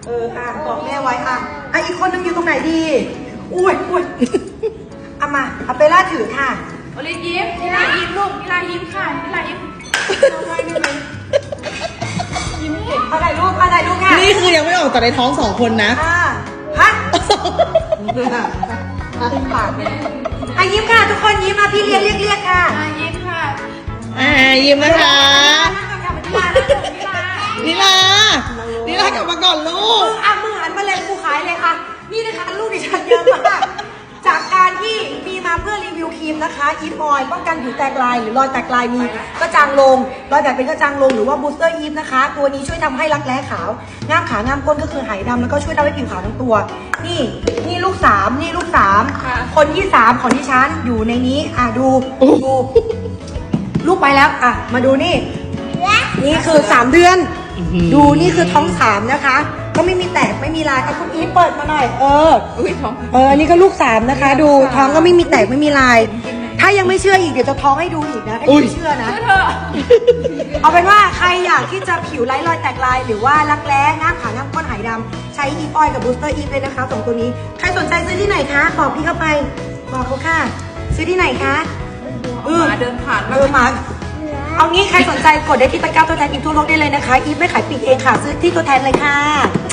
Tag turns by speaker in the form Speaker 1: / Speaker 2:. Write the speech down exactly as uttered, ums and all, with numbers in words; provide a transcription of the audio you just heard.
Speaker 1: อออ่ะบอกแม่ไว้อ่ะอ่ะอีกคนนึงอยู่ตรงไหนดีอุ้ยอุ้ยเอามาเอาไปล่าถือค่ะ
Speaker 2: โอลิยิ้มนิลายิ้มลูกนิลายิ้มค่ะนิลายิ้มยิ้มเห็น
Speaker 1: เอาถ่ายรูปเอาถ่ายรูปค่ะ
Speaker 3: นี่คือยังไม่ออกจากในท้องสองคนนะ
Speaker 1: อ่าฮะตึงปากเลยอ่ะยิ้มค่ะทุกคนยิ้มมาพี่เรียกเรียกเรียกค่ะ
Speaker 2: นิลายิ้มค่ะ
Speaker 3: อ่ายิ้มนะคะ
Speaker 1: นิลา
Speaker 3: นิลานิลากลับมาก่อนลูก
Speaker 1: อ่ะมือหันมาเลยกูขายเลยค่ะ นี่นะคะลูกดิฉันเยอะมาก จากการที่มีมาเพื่อรีวิวครีมนะคะอีฟออยป้องกันผิวแตกลายหรือรอยแตกลายมีกระจางลงรอยแตกเป็นกระจางลงหรือว่าบูสเตอร์อีฟนะคะ ตัวนี้ช่วยทำให้รักแร้ขาวง่ามขางามก้นก็คือหายดำแล้วก็ช่วยทำให้ผิวขาวทั้งตัว นี่นี่ลูกสามนี่ลูกสามคนที่สามของดิฉันอยู่ในนี้อ่ะดูดูลูกไปแล้วอ่ะมาดูนี่ นี่คือสามเดือน ดูนี่คือท้องสามนะคะ ก็ไม่มีแตกไม่มีลายเอาคุณอีฟเปิดมาหน่อย เออ
Speaker 2: อุ้ยท้อง
Speaker 1: เอออันนี้ก็ลูกสามนะคะ ดูท้องก็ไม่มีแตกไม่มีลาย ถ้ายังไม่เชื่ออีกเดี๋ยวจะท้องให้ดูอีกนะถ้ายังไม่เชื่อนะ
Speaker 2: เธอ
Speaker 1: เอาเป็นว่าใครอยากที่จะผิวไร้รอยแตกลาย หรือว่ารักแร้ง่ามขาง่ามก้นหายดำใช้อีฟออยกับบูสเตอร์อีฟเลยนะคะสองตัวนี้ใครสนใจซื้อที่ไหนคะบอกพี่เข้าไปบอกเขาค่ะ ซื้อที่ไหนคะเออ
Speaker 2: หมาเดินผ่าน
Speaker 1: เออหมาเอางี้ใครสนใจกดได้ที่ตะกร้าตัวแทนอีฟทั่วโลกได้เลยนะคะอีฟไม่ขายปลีกเองค่ะซื้อที่ตัวแทนเลยค่ะ